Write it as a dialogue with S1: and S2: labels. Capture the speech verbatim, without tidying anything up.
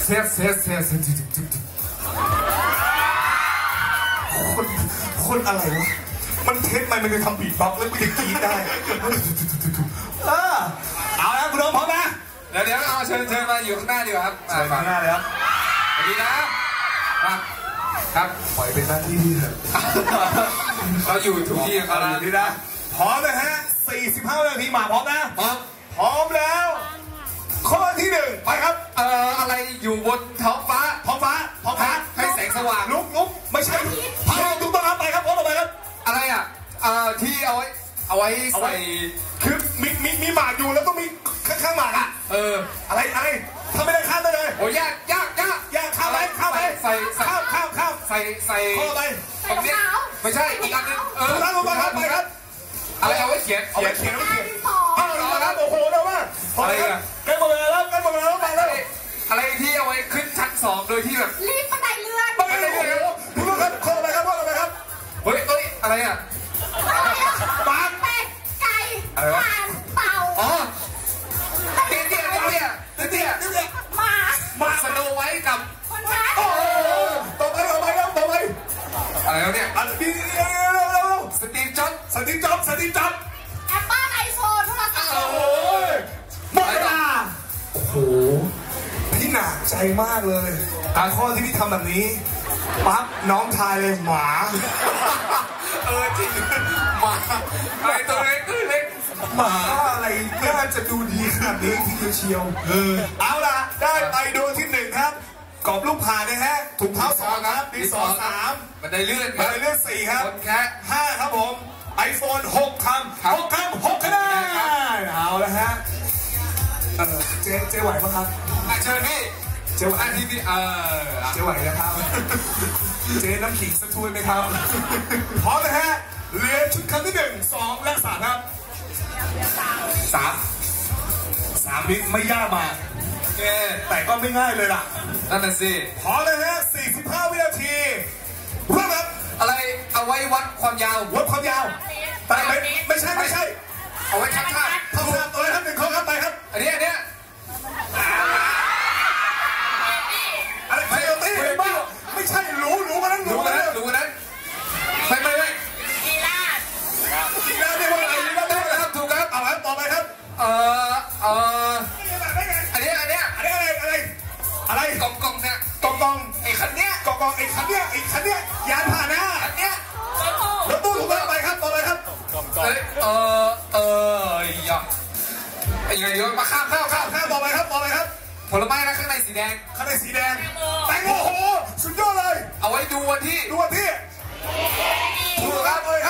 S1: เซสเซสเซสคนคนอะไรวะมันเทสมันมันจะทำบีทบ็อกซ์แล้วมันจะกรี๊ดได้เออเอาละคุณน้องพร้อมนะ
S2: เดี๋ยวเดี๋ยวเอาเชิญเชิญมาอยู่ข้างหน้าดีกว่าครับ
S1: เชิญข้างหน้าเลยครับ
S2: สวัสดีนะครับครับ
S1: ปล่อยเป็นหน้าที่พี่เถอะ
S2: เราอยู่ทุกที่ครับ
S1: นี่นะพร้อมนะฮะสี่สิบห้านาทีมาพร้อมนะ
S2: พร้อม
S1: พร้อมแล้วข้อที่หนึ่งไปครับ
S2: เอ่ออะไรอยู่บนท้องฟ้า
S1: ท้องฟ้าท้องฟ้า
S2: ให้แสงสว่าง
S1: ลุกลุกไม่ใช่พายถูกต้องครับไปครับพร้อมต่อไปครับ
S2: อะไรอ่ะเอ่อที่เอาไว้เอาไว้ใส่
S1: คือมีมีมีหมากอยู่แล้วก็มีข้างข้างหมากอ่ะ
S2: เออ
S1: อะไรอะไรทำไม่ได้ข้ามได้เลย
S2: โอ้ยากยากยาก
S1: ยากข้ามไปข้ามไป
S2: ใส่
S1: ข้ามข้ามข้าม
S2: ใส่ใส่
S1: ข้อไป
S2: ตรงนี้ไม่ใช่อีกอันนึงเออ
S1: ลงไปครับไปครับ
S2: อะไรเอาไว้เขียน
S1: เขียนเขียนไว้เขียน
S2: เอา
S1: ละครับโอ้โหเร็วมากอะไรกันใกล้หมดเวลาแล้วใกล้หมดเวลาแล้วไปแล้ว
S2: อะไรที่เอาไว้ขึ้นชั้นสองโดยที่แบบ
S3: รีบบันไดเลื่อน
S1: บันไดเลื่อนคุณลูกครับข้อไปครับข้อไปครับ
S2: เฮ้ยเฮ้ยอะไรอ่ะ
S1: ปาก
S3: เป็ดไก่ห่านเต่า
S2: อ๋อเตี้ยเตี้ยเตี้ยเตี้ยเตี้ย
S3: หมา
S2: หมาสโนไว้กับ
S3: คนร้าย
S1: โอ้ต่อไปต่อไปครับต่อไป
S2: อะไรแล้วเนี่ย
S1: อันนี้เร็ว
S2: สตีฟจ็อบ
S1: สตีฟจ็อบสตีฟจ็อบ
S3: แอปเปิ้ลไอโฟนโทรศัพท์
S1: โอ้ยหมดเวลาโอ้โหพี่หนักใจมากเลยการข้อที่พี่ทำแบบนี้ปั๊บน้องทายเลยหมา
S2: เออจริงหมาอะไรตัวเล็กคือเล็ก
S1: หมาอะไรน่าจะดูดีขนาดนี้ทีเดียวเชียวเออเอาล่ะได้ไปดวงที่หนึ่งครับกรอบลูกผ่านนะฮะถุงเท้าสองครับดีสองสาม
S2: บันไดเลื่อน
S1: บันไดเลื่อนสี่ครับ
S2: แค่
S1: ห้าครับผมไอโฟนหกคำหกคำหกคะแนนเอาละฮะเออเจ๊เจ๊ไหวปะครับ
S2: เชิญพี่
S1: เจ๊ไหว
S2: ที่พี่เออ
S1: เจ๊ไหวนะครับเจ๊น้ำขิงสักถ้วยไหมครับพร้อมนะฮะเหลือชุดคำที่หนึ่งสองและสามครับสามสามนี้ไม่ยากมากแต่ก็ไม่ง่ายเลยล่ะ
S2: นั่นน่ะสิ
S1: พร้อมนะฮะสี่สิบห้าวินาทีเริ่มครับ
S2: อะไรเอาไว้วัดความยาว
S1: วัดความยาวแต่ไม่ไม่ใช่ไม่ใช่
S2: เอาไว้ชักท่า
S1: ท่าท่าตัวอะไรครับหนึ่งข้อครับไปครับ
S2: อันนี้อันนี้
S1: อะไรไฟโอตี้อะไรบ้าไม่ใช่รู้รู้มานั้น
S2: รู้มานั้นรู้มานั้นไม่ไม่ไม่
S3: กีฬา
S1: กีฬาเรียกว่าอะไรกีฬาได้
S2: ครับถูกครับ
S1: เอาละต่อไปครับ
S2: เออเอออันนี้อันนี้
S1: อันนี้อะไรอะไรอะไร
S2: กองกองเนี่ย
S1: กองกอง
S2: ไอ้คันเนี้ย
S1: กองกองไอ้คันเนี้ยไอ้คันเนี้ยยานพาหนะ
S2: อันเนี้ย
S1: รถตู้ถูกต้องไปครับต่อไปครับ
S2: เออเออเอออย่าไอ้ยังไงมาข้ามข้ามข้าม
S1: ข้ามต่อไปครับต่อไปครับ
S2: ผลไม้นะข้างในสีแดง
S1: ข้างในสีแดงแตงโมโอ้โหสุดยอดเลย
S2: เอาไว้ดูวันที่
S1: ดูวันที่
S2: ถูกครับ
S1: เลยค